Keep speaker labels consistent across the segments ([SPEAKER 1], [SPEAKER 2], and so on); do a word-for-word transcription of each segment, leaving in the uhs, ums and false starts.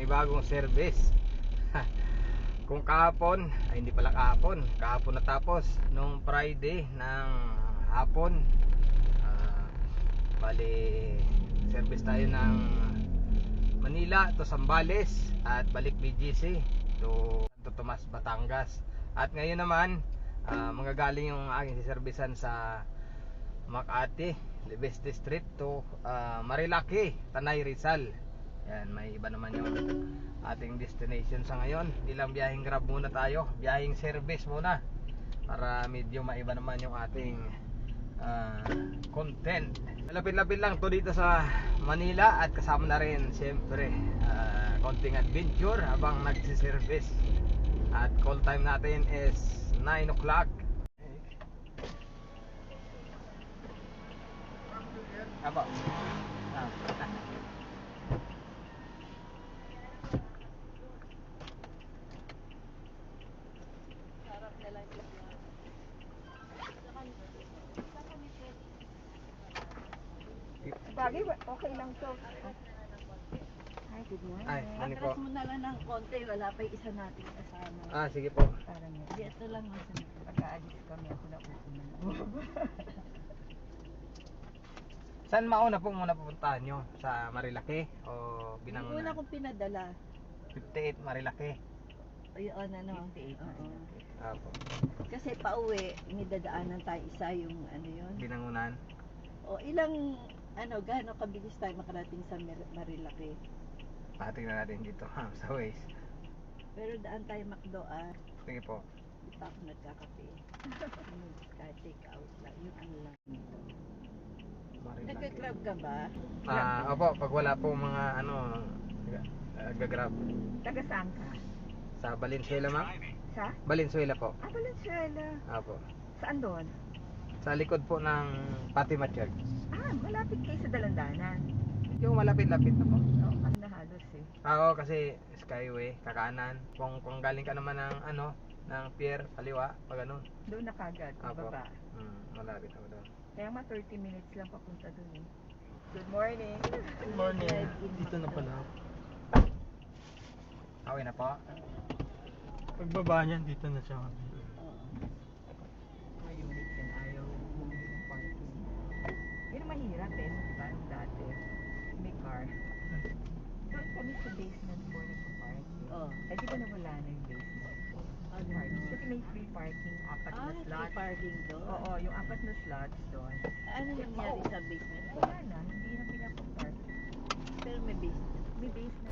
[SPEAKER 1] panibagong service. Kung kahapon, ay hindi pala kahapon, kahapon natapos nung Friday ng hapon. uh, Bali service tayo ng Manila to Zambales at balik B G C to Santo Tomas, Batangas. At ngayon naman uh, manggagaling yung aking siservisan sa Makati, Libes District to uh, Marilaki, Tanay, Rizal. Yan, may iba naman yung ating destination sa ngayon. Hindi lang biyaheng grab muna tayo, biyaheng service muna para medyo maiba naman yung ating uh, content. Lapit-lapit lang to dito sa Manila at kasama na rin siyempre uh, konting adventure habang nagsiservice. At call time natin is nine o'clock. Apo. Ah.
[SPEAKER 2] Bagay, okay lang to. Hi, good morning.
[SPEAKER 1] Ay, ano po?
[SPEAKER 3] Atras mo na lang ng konti, wala pa yung isa nating kasama.
[SPEAKER 1] Ah, sige po.
[SPEAKER 2] Parang yun.
[SPEAKER 3] Dito lang ang sunod.
[SPEAKER 2] Pagka-alis kami, ako na uuna na.
[SPEAKER 1] Saan mauna po muna pupuntahan nyo? Sa Marilaki o
[SPEAKER 3] Yung una
[SPEAKER 1] Binangonan?
[SPEAKER 3] kong pinadala,
[SPEAKER 1] fifty-eight Marilaki.
[SPEAKER 3] ayun ano,
[SPEAKER 2] fifty-eight na
[SPEAKER 3] oo.
[SPEAKER 1] Apo.
[SPEAKER 3] Kasi pauwi, may dadaanan tayo isa yung ano yun.
[SPEAKER 1] Binangonan.
[SPEAKER 3] O ilang, ano, gaano kabilis tayo makarating sa Mar- Marilaki.
[SPEAKER 1] Patingnan natin dito ha, sa Waze.
[SPEAKER 3] Pero daan tayo Macdo ah,
[SPEAKER 1] Sige po.
[SPEAKER 3] di pa ako nagkakape. Kahit take out lang, yung ano lang.
[SPEAKER 1] Marilaki.
[SPEAKER 3] Nagka-grab ka ba?
[SPEAKER 1] Ah, opo, pag wala po mga ano, uh, gagrab.
[SPEAKER 2] Taga saan ka?
[SPEAKER 1] Sa Valenzuela, ma'am?
[SPEAKER 2] Sa?
[SPEAKER 1] Valenzuela po.
[SPEAKER 2] Ah, Valenzuela.
[SPEAKER 1] Apo.
[SPEAKER 2] Saan doon?
[SPEAKER 1] Sa likod po ng Fatima Church.
[SPEAKER 2] Ah, malapit kayo sa Dalandanan.
[SPEAKER 1] Yung malapit-lapit na po.
[SPEAKER 2] Oo, kasi na halos eh.
[SPEAKER 1] Ah, Oo, kasi Skyway, kakanan. Kung, kung galing ka naman ng ano, ng pier, kaliwa, pag ano.
[SPEAKER 2] Doon na kagad,
[SPEAKER 1] Apo.
[SPEAKER 2] baba.
[SPEAKER 1] Hmm, malapit ako doon.
[SPEAKER 2] Kaya mga thirty minutes lang papunta doon eh. Good morning.
[SPEAKER 3] Good morning.
[SPEAKER 4] Dito na pala.
[SPEAKER 1] Okay na po.
[SPEAKER 4] Pagbaba niyan, dito na siya.
[SPEAKER 3] Oo.
[SPEAKER 2] May unit yan, ayaw bumili ng parking. Yun ang mahirap eh, di ba? Yung dati, may car. Doon kami sa basement four nagpa-parking.
[SPEAKER 3] Oo.
[SPEAKER 2] Eh di ba nawala na yung basement four?
[SPEAKER 3] Ano?
[SPEAKER 2] Parking. Kasi may free parking, apat
[SPEAKER 3] Ah,
[SPEAKER 2] na
[SPEAKER 3] free
[SPEAKER 2] slots.
[SPEAKER 3] parking doon?
[SPEAKER 2] Oo, yung apat na slots doon.
[SPEAKER 3] Ano nangyari sa basement?
[SPEAKER 2] Wala na, hindi na pinapapark.
[SPEAKER 3] Pero may basement.
[SPEAKER 2] May basement.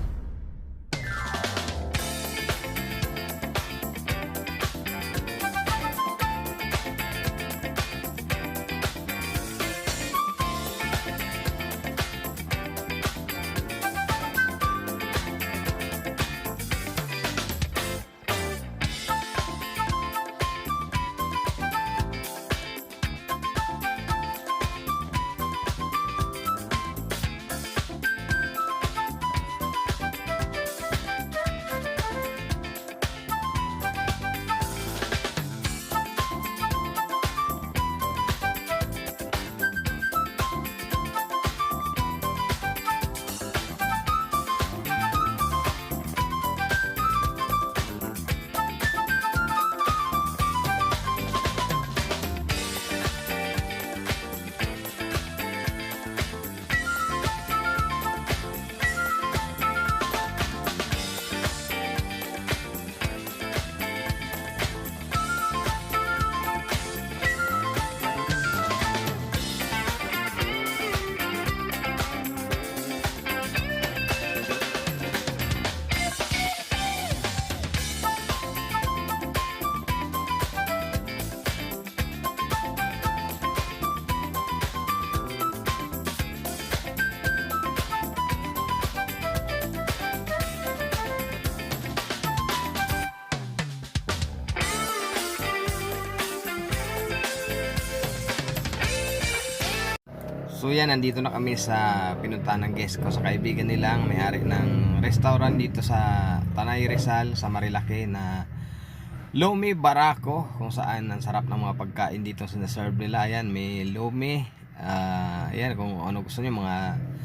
[SPEAKER 1] So yan, nandito na kami sa pinuntahan ng guest ko sa kaibigan nilang may-ari ng restaurant dito sa Tanay, Rizal, sa Marilaki na Lomi Barako, kung saan ang sarap ng mga pagkain dito sinaserve nila. Ayan, may lomi, uh, ayan, kung ano gusto nyo, mga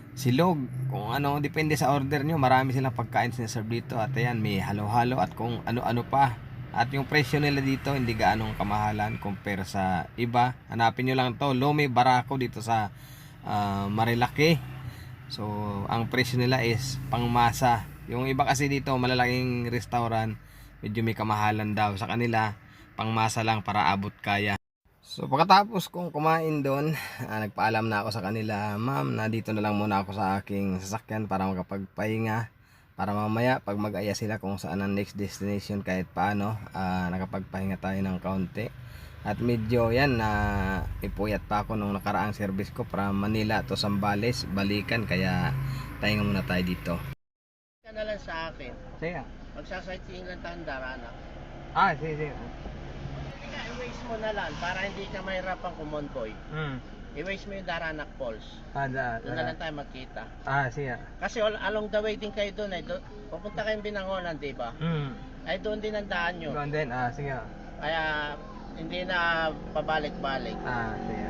[SPEAKER 1] silog, kung ano, depende sa order nyo. Marami silang pagkain sinaserve dito. At ayan, may halo-halo at kung ano-ano pa. At yung presyo nila dito hindi gaanong kamahalan compare sa iba. Hanapin nyo lang to, Lomi Barako dito sa uh, Marilaki. So ang presyo nila is pangmasa. Yung iba kasi dito malalaking restaurant, medyo may kamahalan daw. Sa kanila pangmasa lang para abot kaya. So pagkatapos kong kumain doon, uh, nagpaalam na ako sa kanila, ma'am, na dito na lang muna ako sa aking sasakyan para makapagpahinga. Para mamaya pag mag-aya sila kung saan ang next destination kahit paano, uh, nakapagpahinga tayo ng kaunti. At medyo yan na uh, ipuyat pa ako nung nakaraang service ko from Manila to Zambales, balikan, kaya pahinga muna tayo dito.
[SPEAKER 5] Ka na lang sa akin.
[SPEAKER 1] Sige.
[SPEAKER 5] Magsasightseeing lang tayong Darana.
[SPEAKER 1] Ah, sige, sige.
[SPEAKER 5] Ika, i-waste mo na lang para hindi ka mahirapan kumonvoy.
[SPEAKER 1] Mm.
[SPEAKER 5] I-waste mo yung Daranak Falls.
[SPEAKER 1] Ah, da,
[SPEAKER 5] Doon na lang tayo magkita.
[SPEAKER 1] Ah, sige.
[SPEAKER 5] Kasi all, along the way din kayo doon. Eh. Doon, pupunta kayong Binangonan, di ba?
[SPEAKER 1] Mm.
[SPEAKER 5] Ay doon din ang daan nyo.
[SPEAKER 1] Doon din, ah, sige.
[SPEAKER 5] Kaya hindi na pabalik-balik.
[SPEAKER 1] Ah, sige.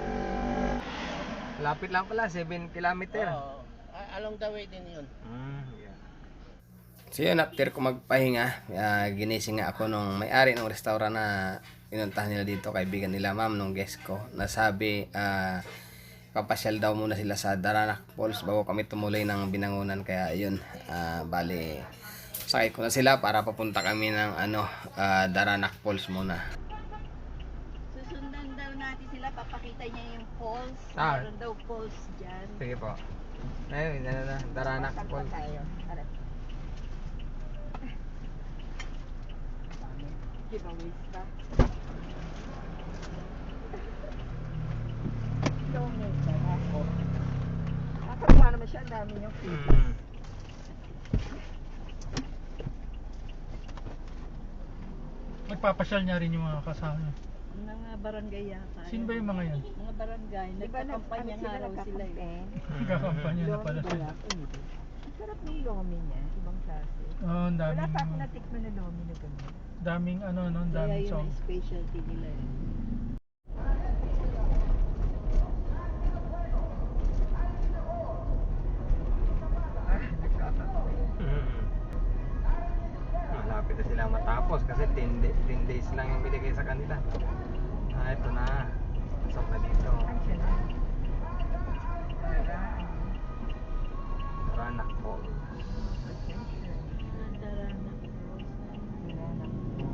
[SPEAKER 1] Lapit lang pala, seven kilometer.
[SPEAKER 5] Oo. Ay, along the way din yun.
[SPEAKER 1] Mm, yeah. So yun, after ko magpahinga, uh, ginising nga ako nung may-ari ng restaurant na pinuntahan nila dito, kaibigan nila ma'am nung guest ko. Nasabi, uh, papasyal daw muna sila sa Daranac Falls bago kami tumuloy ng Binangonan. Kaya yun, uh, bali, sakay ko na sila para papunta kami ng ano, uh, Daranac Falls muna.
[SPEAKER 3] Susundan daw natin sila, papakita niya yung falls.
[SPEAKER 1] Ah.
[SPEAKER 3] Meron daw falls dyan.
[SPEAKER 1] Sige po. Ayun, na, na, Daranac
[SPEAKER 3] Saan pa
[SPEAKER 1] Falls.
[SPEAKER 3] tayo? Ano? Giveaways pa. Donate na ako. Nakakatuwa naman siya, ang dami niyong fees.
[SPEAKER 1] Mm.
[SPEAKER 4] Nagpapasyal niya rin yung mga kasama.
[SPEAKER 3] Mga barangay yata.
[SPEAKER 4] Sino ba yung mga yan?
[SPEAKER 3] Mga barangay. Nagkakampanya nga raw sila eh.
[SPEAKER 4] Nagkakampanya na pala sila.
[SPEAKER 2] Ang sarap ng lomi niya, ibang klase.
[SPEAKER 4] Oo, ang
[SPEAKER 2] Wala
[SPEAKER 4] daming,
[SPEAKER 2] pa ako natikman na lomi na gano'n.
[SPEAKER 4] daming ano, no, ang
[SPEAKER 3] Kaya
[SPEAKER 4] daming
[SPEAKER 3] yun
[SPEAKER 4] song.
[SPEAKER 3] ang specialty nila eh.
[SPEAKER 2] Ah, nagkakataon.
[SPEAKER 1] Mm. Malapit na sila matapos kasi ten days lang yung binigay sa kanila. Ah, ito na. Pasok na dito.
[SPEAKER 2] Ay, siya na. Para, ano,
[SPEAKER 1] Daranac Falls.
[SPEAKER 2] attention.
[SPEAKER 3] Daranac Falls.
[SPEAKER 2] Wala na.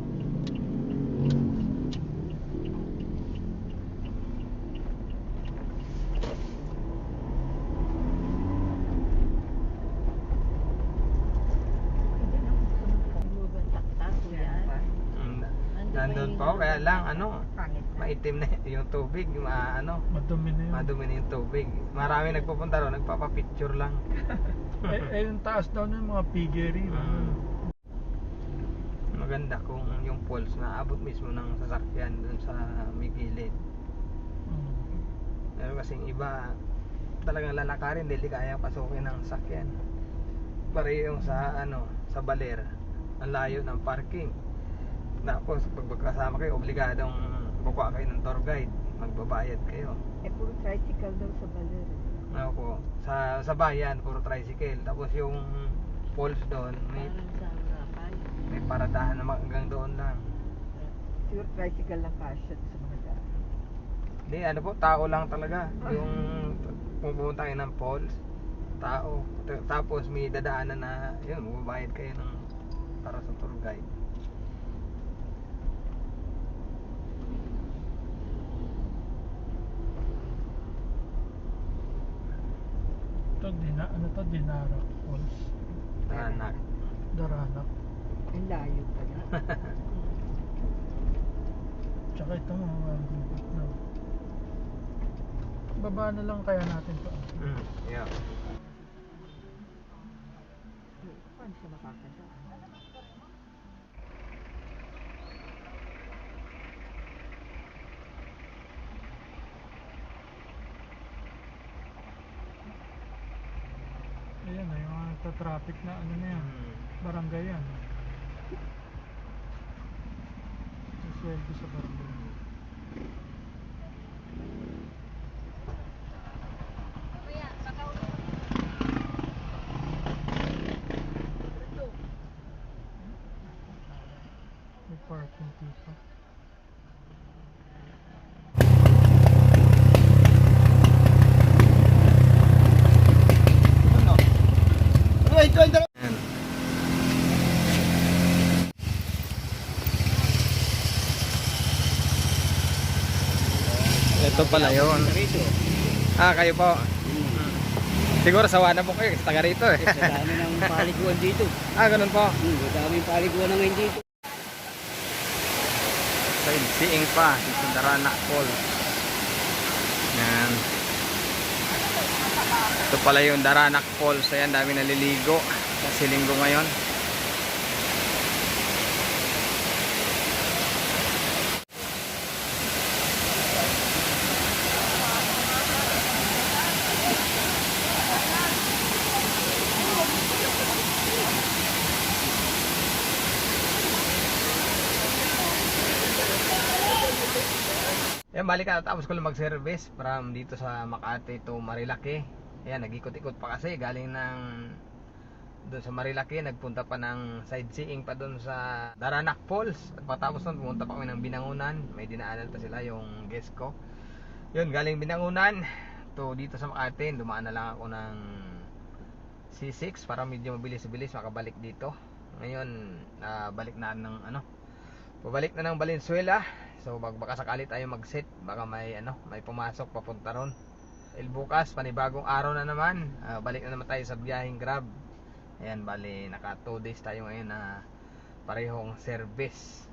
[SPEAKER 2] Hindi na, gusto mo po.
[SPEAKER 3] Lugan taktaso yan.
[SPEAKER 1] Mm.
[SPEAKER 3] Nandun
[SPEAKER 1] Nandun
[SPEAKER 3] may-
[SPEAKER 1] pa ako, kaya lang ano,
[SPEAKER 2] Pangit na.
[SPEAKER 1] maitim na yung tubig, ma, ano,
[SPEAKER 4] Madumi na yun.
[SPEAKER 1] madumi na yung tubig. Marami nagpupunta ron, nagpapapicture lang.
[SPEAKER 4] eh, eh, yung taas daw ng mga piggery.
[SPEAKER 1] Mm. Maganda kung yung falls na abot mismo ng sasakyan dun sa may gilid.
[SPEAKER 4] Mm.
[SPEAKER 1] Pero kasing iba talagang lalakarin, hindi kaya pasukin ng sasakyan. Pareho yung sa ano, sa Baler, ang layo ng parking. Tapos pag magkasama kayo, obligadong kukuha kayo ng tour guide, magbabayad kayo.
[SPEAKER 2] Eh, puro tricycle daw sa Baler. eh.
[SPEAKER 1] Ano po, sa sa bayan puro tricycle. Tapos yung falls doon may
[SPEAKER 3] Parang sa Rapay.
[SPEAKER 1] may paradahan na hanggang doon lang.
[SPEAKER 2] Siguro tricycle lang kasya sa mga daan.
[SPEAKER 1] Hindi, ano po, tao lang talaga. Yung pupunta kayo ng falls, tao. T- Tapos may dadaanan na, yun, magbabayad kayo ng para sa tour guide.
[SPEAKER 4] Ito, dina, ano to, Dinarak Falls.
[SPEAKER 1] Daranac.
[SPEAKER 4] Daranac.
[SPEAKER 2] Ang layo pala.
[SPEAKER 4] Tsaka ito mga gubat na. Baba na lang kaya natin to.
[SPEAKER 1] Mm, yeah.
[SPEAKER 2] Paano siya makakadaan?
[SPEAKER 4] Ayan na, yung mga traffic na ano na yan.
[SPEAKER 1] Mm.
[SPEAKER 4] Barangay yan. Sweldo sa barangay. Kunti pa.
[SPEAKER 1] Ayan. Ito pala yun. Ah, kayo po. Siguro sawa na po kayo kasi taga rito eh.
[SPEAKER 6] Sa dami ng paliguan dito.
[SPEAKER 1] Ah, ganun po.
[SPEAKER 6] Hmm, sa daming paliguan na ngayon dito.
[SPEAKER 1] Sightseeing pa sa Darana Falls. Yan. Ito pala yung Daranac Falls. Ayan, dami naliligo kasi linggo ngayon. Yan, balik ka, tapos ko lang mag-service from dito sa Makati to Marilaki. Ayan, nag-ikot-ikot pa kasi galing ng doon sa Marilaki, nagpunta pa ng sightseeing pa doon sa Daranac Falls. At patapos nun, pumunta pa kami ng Binangunan. May dinaanan pa sila yung guest ko. Yun, galing Binangunan to dito sa Makati, dumaan na lang ako ng C six para medyo mabilis-bilis makabalik dito. Ngayon, uh, balik na ng ano, pabalik na ng Valenzuela. So bag baka sakali tayo mag-set, baka may ano, may pumasok papunta ron. El bukas panibagong araw na naman. Uh, balik na naman tayo sa biyaheng Grab. Ayan, bali naka two days tayo ngayon na parehong service.